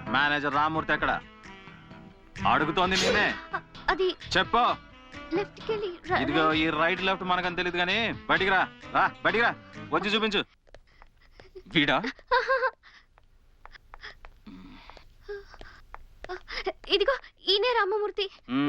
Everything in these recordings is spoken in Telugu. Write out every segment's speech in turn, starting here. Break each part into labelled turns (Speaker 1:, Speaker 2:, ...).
Speaker 1: మేనేజర్ రామూర్తి ఎక్కడ? అడుగుతోంది నేనే.
Speaker 2: అది
Speaker 1: చెప్పు.
Speaker 2: లెఫ్ట్ కెళ్ళి
Speaker 1: ఇదిగో ఈ రైట్ లెఫ్ట్ మనకని తెలియదు కానీ బయటికి రా. రా బయటికి రా, వచ్చి చూపించు. వీడా?
Speaker 2: ఇదిగో ఈయనే రామమూర్తి.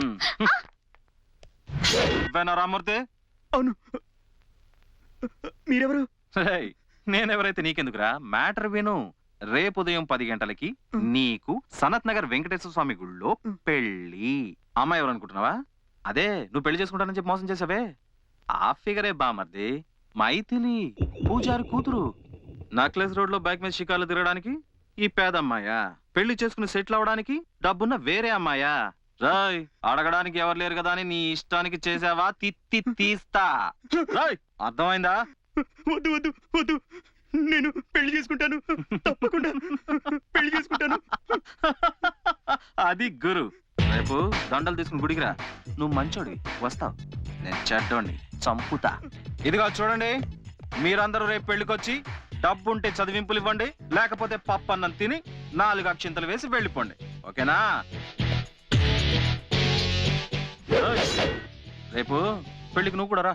Speaker 1: రామూర్తి?
Speaker 3: అవును. మీరెవరు?
Speaker 1: నేనెవరైతే నీకెందుకురా, మ్యాటర్ విను. రేపు ఉదయం 10 గంటలకి నీకు సనత్ నగర్ వెంకటేశ్వర స్వామి గుళ్ళో పెళ్లి. అమ్మాయి ఎవరు అనుకుంటున్నావా? అదే నువ్వు పెళ్లి చేసుకుంటానని చెప్పి మోసం చేసావే ఆ ఫిగరే బామర్ది. మైథిలి, పూజారి కూతురు. నక్లెస్ రోడ్ లో బైక్ మీద షికార్లు తిరగడానికి ఈ పేదమ్మాయా? పెళ్లి చేసుకుని సెటిల్ అవడానికి డబ్బున్న వేరే అమ్మాయా? రాయ్, అడగడానికి ఎవరు లేరు కదా అని నీ ఇష్టానికి చేసావా? తిత్తి తీస్తా. రాయ్, అర్థమైందా?
Speaker 3: వద్దు వద్దు వద్దు, నేను పెళ్లి చేసుకుంటాను, తప్పకుండా పెళ్లి చేసుకుంటాను.
Speaker 1: అది గురు. రేపు దండలు తీసుకుని గుడికి రా. నువ్వు మంచోడివి, వస్తావు. నేను చెడ్డోడిని, చంపుతా. ఇదిగో చూడండి, మీరందరూ రేపు పెళ్లికొచ్చి డబ్బుంటే చదివింపులు ఇవ్వండి, లేకపోతే పప్పన్నం తిని 4 అక్షింతలు వేసి వెళ్ళిపోండి. ఓకేనా? రేపు పెళ్లికి నువ్వు కూడా రా.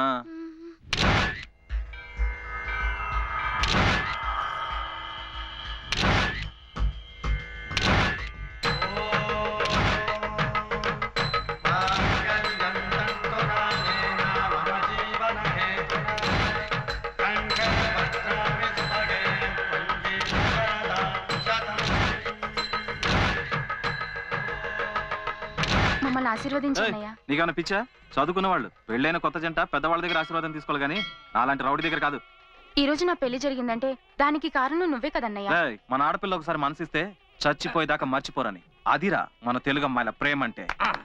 Speaker 2: మమ్మల్ని ఆశీర్వదించండియ్యా.
Speaker 1: నీకన్నా పిచ్చా? చదువుకున్న వాళ్ళు పెళ్ళైన కొత్త జంట పెద్దవాళ్ళ దగ్గర ఆశీర్వాదం తీసుకోవాలి గానీ అలాంటి రౌడీ దగ్గర కాదు.
Speaker 2: ఈ రోజు నా పెళ్లి జరిగిందంటే దానికి కారణం నువ్వే కదన్నయ్యా.
Speaker 1: మన ఆడపిల్ల ఒకసారి మనసిస్తే చచ్చిపోయేదాకా మర్చిపోరని. అదిరా మన తెలుగు అమ్మాయిల ప్రేమ అంటే.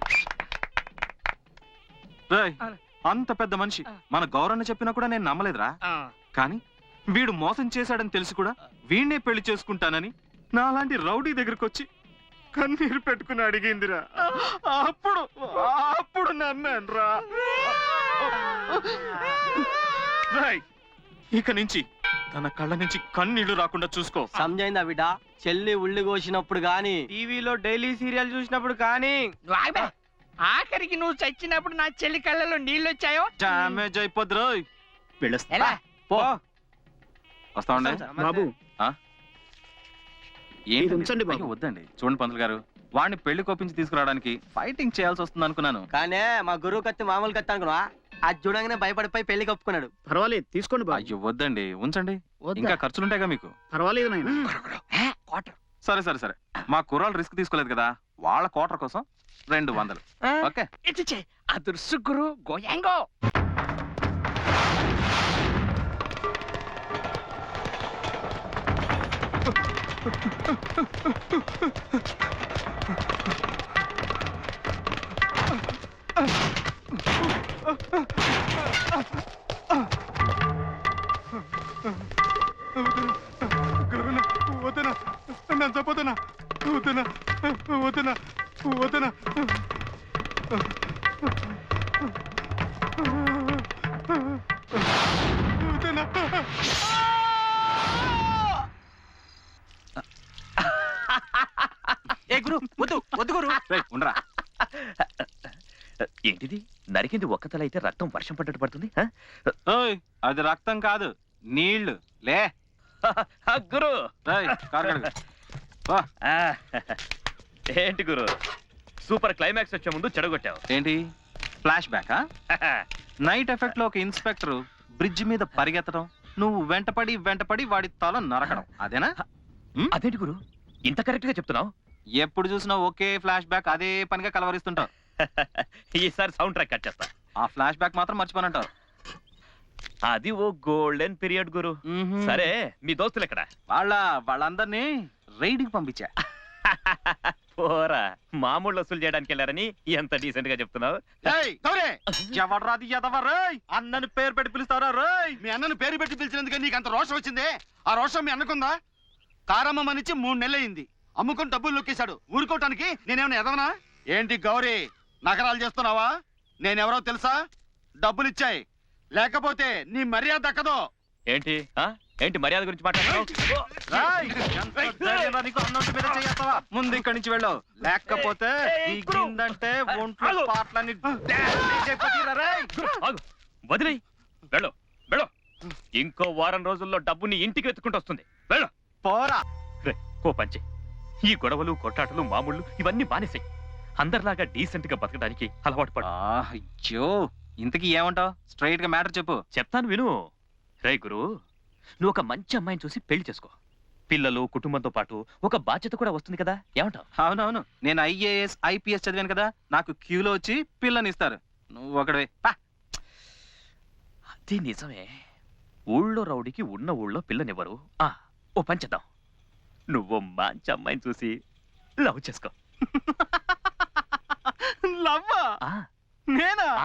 Speaker 1: అంత పెద్ద మనిషి మన గౌరవని చెప్పినా కూడా నేను నమ్మలేదురా. కానీ వీడు మోసం చేశాడని తెలిసి కూడా వీణ్ణే పెళ్లి చేసుకుంటానని నాలాంటి రౌడీ దగ్గరకు వచ్చి కన్నీరు పెట్టుకుని అడిగిందిరా. అప్పుడు నమ్మాను రా. ఇక నుంచి తన కళ్ళ నుంచి కన్నీళ్లు రాకుండా చూసుకో.
Speaker 4: సమజైందా బిడ్డ? చెల్లి ఉల్లి కోసినప్పుడు గాని,
Speaker 3: టీవీలో డైలీ సీరియల్ చూసినప్పుడు కానీ, ఆఖరికి నువ్వు చచ్చినప్పుడు నా చెల్లి కళ్ళలో నీళ్ళు వచ్చాయో
Speaker 1: డామేజ్ అయిపోద్ది రోయ్. వస్తా ఉండే
Speaker 3: బాబు.
Speaker 1: వద్దండి చూడండి పంతులు గారు, వాడిని పెళ్లి కొప్పించి తీసుకురావడానికి ఫైటింగ్ చేయాల్సి వస్తుంది అనుకున్నాను.
Speaker 4: కానీ మా గురువు కత్తి మామూలు కత్తి అనుకున్నా. అది చూడంగానే భయపడిపోయి పెళ్లి కప్పుకున్నాడు.
Speaker 3: పర్వాలేదు తీసుకోండి బాబు.
Speaker 1: అయ్యో వద్దండి, ఉంచండి. ఇంకా ఖర్చులుంటాయిగా మీకు.
Speaker 3: పర్వాలేదు నాయన.
Speaker 1: సరే సరే సరే, మా కుర్రాళ్ళు రిస్క్ తీసుకోలేదు కదా, వాళ్ళ క్వార్టర్ కోసం 200. ఓకే,
Speaker 3: అదుర్సు గురు గోయాంగో.
Speaker 1: వదనా వదనా వదనా వదనా.
Speaker 4: ఏ గురు, వద్దు వద్దు గురు.
Speaker 1: ఉండరా.
Speaker 5: ఏంటిది? నరికింది ఒక్క తల అయితే రక్తం వర్షం పడ్డట్టు పడుతుంది.
Speaker 1: అది రక్తం కాదు, నీళ్లు. లే
Speaker 5: గురు. ఏంటి గురు, సూపర్ క్లైమాక్స్ వచ్చే ముందు చెడగొట్టావు.
Speaker 1: ఏంటి ఫ్లాష్ బ్యాక్? నైట్ ఎఫెక్ట్ లో ఒక ఇన్స్పెక్టర్ బ్రిడ్జ్ మీద పరిగెత్తడం, నువ్వు వెంటపడి వెంటపడి వాడి తల నరకడం, అదేనా?
Speaker 5: అదేంటి గురు ఇంత కరెక్ట్ గా చెప్తున్నావు?
Speaker 1: ఎప్పుడు చూసినా ఒకే ఫ్లాష్ బ్యాక్ అదే పనిగా కలవరిస్తుంటావు.
Speaker 5: ఈసారి సౌండ్ ట్రాక్ కట్ చేస్తా.
Speaker 1: ఆ ఫ్లాష్ బ్యాక్ మాత్రం మర్చిపోనంటావు.
Speaker 5: అది ఓ గోల్డెన్ పీరియడ్ గురు. సరే మీ దోస్తులు ఎక్కడ?
Speaker 1: వాళ్ళందరినీ రైడ్ కి పంపించా.
Speaker 5: పోరా, మామూలు వసూలు చేయడానికి వెళ్ళారని ఎంత డీసెంట్ గా చెప్తున్నావు.
Speaker 1: ఎవడ్రాది ఎదవరా? అన్నని పేరు పెట్టి పిలుస్తారా? రోయ్,
Speaker 6: మీ అన్నను పేరు పెట్టి పిలిచినందుకు నీకు అంత రోషం వచ్చిందే? ఆ రోషం మీ అన్నకుందా? కారమ్మనిచ్చి 3 నెలలైంది, అమ్ముకొని డబ్బులు నొక్కేశాడు. ఊరుకోవటానికి నేనేమన్నా ఎదవనా ఏంటి? గౌరీ, నగరాలు చేస్తున్నావా? నేనెవరో తెలుసా? డబ్బులిచ్చాయి, లేకపోతే నీ మర్యాద దక్కదో.
Speaker 5: ఏంటి ఏంటి మర్యాద గురించి మాట్లాడుతున్నావు?
Speaker 1: రాయ్, ఎంత ధైర్యం రా నీకు? అన్నట్టు మీద చెయ్యేస్తావా? ముందు ఇక్కడి నుంచి వెళ్ళావు, లేకపోతే ఈ గిందంటే ఒంట్లో పాటలన్నీ డ్యామేజ్ అయిపోతాయిరా రేయ్.
Speaker 5: ఆగు, వదిలేయ్. వెళ్ళు వెళ్ళు. ఇంకో వారం రోజుల్లో డబ్బు నీ ఇంటికి వెతుకుంటూ వస్తుంది. వెళ్ళు.
Speaker 1: పోరా.
Speaker 5: రే, ఓ పంచి. ఈ గొడవలు కొట్టాటలు మామూళ్ళు ఇవన్నీ మానేసాయి. అందరిలాగా డీసెంట్ గా బతకడానికి అలవాటు పడు.
Speaker 1: అయ్యో, ఇంతకీ ఏమంటావు? స్ట్రైట్ గా మ్యాటర్ చెప్పు.
Speaker 5: చెప్తాను విను. రే గురు, నువ్వు ఒక మంచి అమ్మాయిని చూసి పెళ్లి చేసుకో. పిల్లలు కుటుంబంతో పాటు ఒక బాధ్యత కూడా వస్తుంది కదా, ఏమంటావు?
Speaker 1: అవునవును, నేను ఐఏఎస్ ఐపీఎస్ చదివాను కదా, నాకు క్యూలో వచ్చి పిల్లని ఇస్తారు. నువ్వు ఒకడే.
Speaker 5: అది నిజమే. ఊళ్ళో రౌడీకి ఉన్న ఊళ్ళో పిల్లనివ్వరు. ఓ పని చేద్దాం. నువ్వు మంచి అమ్మాయిని చూసి లవ్ చేసుకో.
Speaker 1: లవ్వా?
Speaker 5: ఆ,
Speaker 1: నేనా?
Speaker 5: ఆ.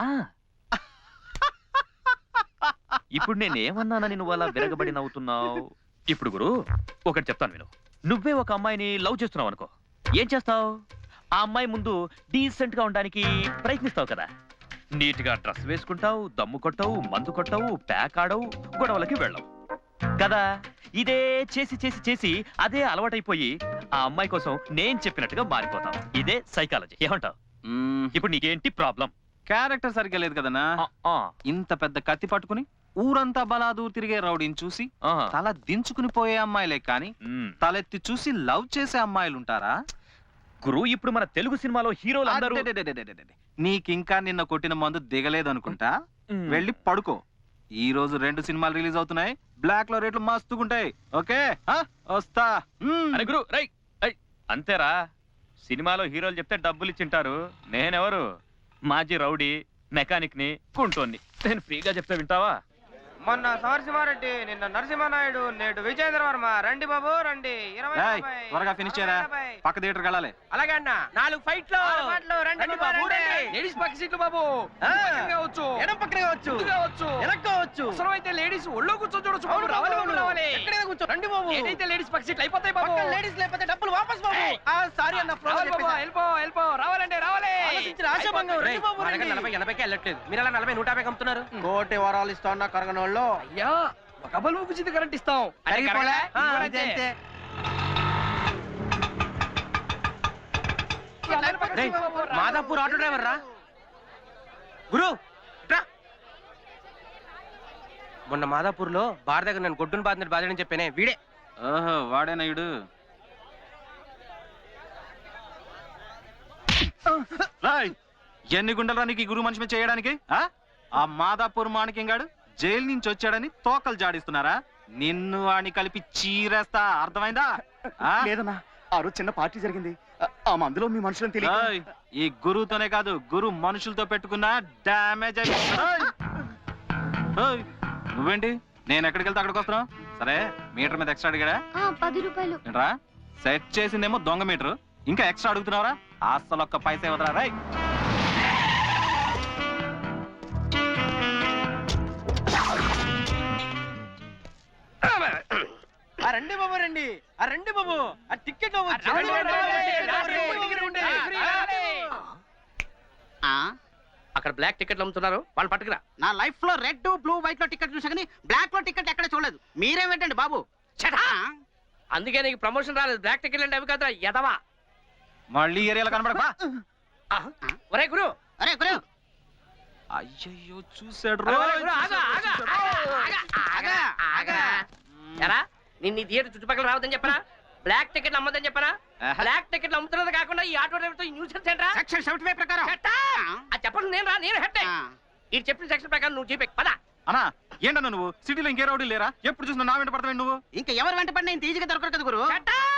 Speaker 5: ఇప్పుడు నేనేమన్నానని నువ్వు అలా విరగబడి నవ్వుతున్నావు? ఇప్పుడు గురు, ఒకటి చెప్తాను విను. నువ్వే ఒక అమ్మాయిని లవ్ చేస్తున్నావు అనుకో, ఏం చేస్తావు? ఆ అమ్మాయి ముందు డీసెంట్ గా ఉండడానికి ప్రయత్నిస్తావు కదా. నీట్ గా డ్రెస్ వేసుకుంటావు, దమ్ము కొట్టావు, మందు కొట్టావు, ప్యాక్ ఆడవు, గొడవలకి వెళ్ళవు కదా. ఇదే చేసి చేసి చేసి అదే అలవాటైపోయి ఆ అమ్మాయి కోసం నేను చెప్పినట్టుగా మారిపోతావు. ఇదే సైకాలజీ, ఏమంటావు? ఇప్పుడు నీకేంటి ప్రాబ్లం?
Speaker 1: క్యారెక్టర్ సరిగ్గా లేదు కదనా. ఇంత పెద్ద కత్తి పట్టుకుని ఊరంతా బలాదూర్ తిరిగే రౌడీని చూసి తల దించుకుని పోయే అమ్మాయిలే కాని తలెత్తి చూసి లవ్ చేసే అమ్మాయిలు ఉంటారా?
Speaker 5: గురు, ఇప్పుడు మన తెలుగు సినిమాలో హీరోలు అందరూ
Speaker 1: అడెడెడెడెడెడెడె. నీకింకా నిన్న కొట్టిన మందు దిగలేదు అనుకుంటా. వెళ్ళి పడుకో. ఈ రోజు 2 సినిమాలు రిలీజ్ అవుతున్నాయి. బ్లాక్ లో రేట్లు మస్తుగుంటాయి. ఓకే, వస్తా.
Speaker 5: అరే గురు, రై రై. అంతేరా, సినిమాలో హీరోలు చెప్తే డబ్బులు ఇచ్చింటారు. నేనెవరు? మాజీ రౌడీ, మెకానిక్ ని, కుంటోన్ని. నేను ఫ్రీగా చెప్తే వింటావా?
Speaker 3: మొన్న సమరసింహారెడ్డి, నిన్న నరసింహనాయుడు, నేడు విజయేంద్ర వర్మ. రండి బాబు రండి. 20
Speaker 1: ఏయ్, త్వరగా ఫినిష్ చేయరా, పక్క థియేటర్ వెళ్ళాలి.
Speaker 3: అలాగే అన్న. 4 ఫైట్లు. రండి బాబు రండి. లేడీస్ పక్క సీట్లు బాబు. ఎడం పక్కన కావచ్చు, వెనక కావచ్చు. అవసరం అయితే లేడీస్ ఒళ్ళో కూర్చొని చూడొచ్చు బాబు. రావాలి బాబు, రావాలి. ఎక్కడైనా కూర్చో. రండి బాబు. ఏదైతే లేడీస్ పక్క సీట్లు అయిపోతాయి బాబు. లేడీస్ లేకపోతే డబ్బులు వాపస్ బాబు. సారీ అన్న, వెళ్ళిపో. రావాలండి, రావాలి. ఆశాభంగం. రండి బాబు. 40-80కి వెళ్ళట్లేదు. మీరు అలా 40-150 అమ్ముతున్నారు. కోటి వరాలు ఇస్తా ఉన్న కరగనోళ్ళు. అయ్యా, ఒక బల్బు కుచింది కరెంట్ ఇస్తాం. మాదాపూర్ ఆటో డ్రైవర్ రా గురు. మొన్న మాదాపూర్ లో బార్ దగ్గర నన్ను గొడ్డును బాధినట్టు బాధని చెప్పానే, వీడే.
Speaker 1: ఓహో, వాడేనాయుడు. ఎన్ని గుండెలరా నీకు ఈ గురు మనిషి మీద చేయడానికి? ఆ మాదాపూర్ మాణిక్యంగాడు జైలు నుంచి వచ్చాడని తోకలు జాడిస్తున్నారా? నిన్ను వాడిని కలిపి చీరేస్తా, అర్థమైందా?
Speaker 6: లేదన్నా, ఆ రోజు చిన్న పార్టీ జరిగింది. ఆ మందులో మీ మనుషులను తెలియదు.
Speaker 1: ఈ గురువుతోనే కాదు, గురు మనుషులతో పెట్టుకున్న డ్యామేజ్ అయిపోయింది. నువ్వేంటి నేను ఎక్కడికి వెళ్తే అక్కడికి వస్తున్నావు? సరే, మీటర్ మీద ఎక్స్ట్రా అడిగాడా?
Speaker 2: 10 రూపాయలు.
Speaker 1: ఏంట్రా, సెట్ చేసిందేమో దొంగ మీటర్, ఇంకా ఎక్స్ట్రా అడుగుతున్నావురా? అసలు ఒక్క పైసా ఇవ్వదురా. రై,
Speaker 3: రండి బాబు రండి. రండి బాబు, ఆ టికెట్ అక్కడ బ్లాక్ టికెట్లు అమ్ముతున్నారు, వాళ్ళు పట్టుకురా.
Speaker 4: నా లైఫ్ లో రెడ్ బ్లూ వైట్ లో టికెట్ చూసా కానీ బ్లాక్ లో టికెట్ ఎక్కడ చూడలేదు. మీరేమిటండి బాబు?
Speaker 3: అందుకే నీకు ప్రమోషన్ రాలేదు. బ్లాక్ టికెట్లు అంటే అవి కదా ఎదవా.
Speaker 1: మళ్ళీ ఏరియాలో కనబడక.
Speaker 3: ఒరే గురు,
Speaker 4: అరే గురు,
Speaker 1: అయ్యయ్యో చూసాడు.
Speaker 3: ఎరా, నిన్ను థియేటర్ చుట్టుపక్కల రావద్దని చెప్పరా? బ్లాక్ టికెట్లు అమ్మదని చెప్పరా? బ్లాక్ టికెట్లు అమ్ముతున్నది కాకుండా ఈ ఆటో డ్రైవర్ తో న్యూసెన్స్ ఏంట్రా?
Speaker 4: సెక్షన్ 75 ప్రకారం
Speaker 3: చెప్పండి. నేను రా, నేను హెడ్. ఈ చెప్పిన సెక్షన్ ప్రకారం నువ్వు జీపే పద.
Speaker 1: అన్నా, ఏంటన్నా నువ్వు సిటీలో ఇంకే రౌడీ లేరా? ఎప్పుడు చూసినా నా వెంట పడతావు నువ్వు.
Speaker 4: ఇంకా ఎవరు వెంట పడి నేను ఈజీగా దొరకదు కదా గురు.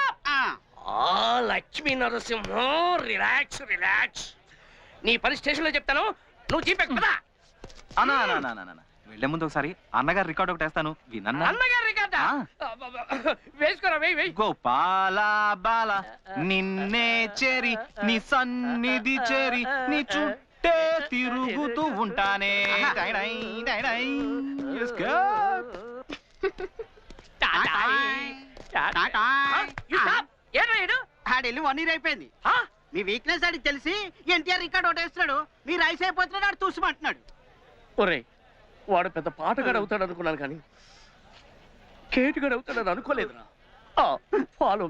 Speaker 3: Lakshmi Narasimham, relax relax. నీ పని స్టేషన్ లో చెప్తాను, నువ్వు జీపే పద.
Speaker 1: అన్నా వెళ్లే ముందు ఒకసారి అన్నగారు రికార్డ్ ఒకటి వేస్తాను, వినన్నా?
Speaker 3: అన్నగారు రికార్డా? వేసుకోరా, వెయ్యి.
Speaker 1: గోపాల బాల నిన్నే చేరి నీ సన్నిధి చేరి నీ చుట్టే తిరుగుతూ ఉంటానే.
Speaker 4: ఆడెళ్ళి 1 year అయిపోయింది. మీ వీక్నెస్ ఆడికి తెలిసి ఎన్టీఆర్ రికార్డ్ ఒకటి వేస్తున్నాడు. మీరు ఐస్ అయిపోతున్నాడు, ఆడు చూసిమంటున్నాడు.
Speaker 3: ఒరే, వాడు పెద్ద పాటగాడు అవుతాడు అనుకున్నాను కానీ కేటుగా అవుతాడని అనుకోలేదురా ఫాలో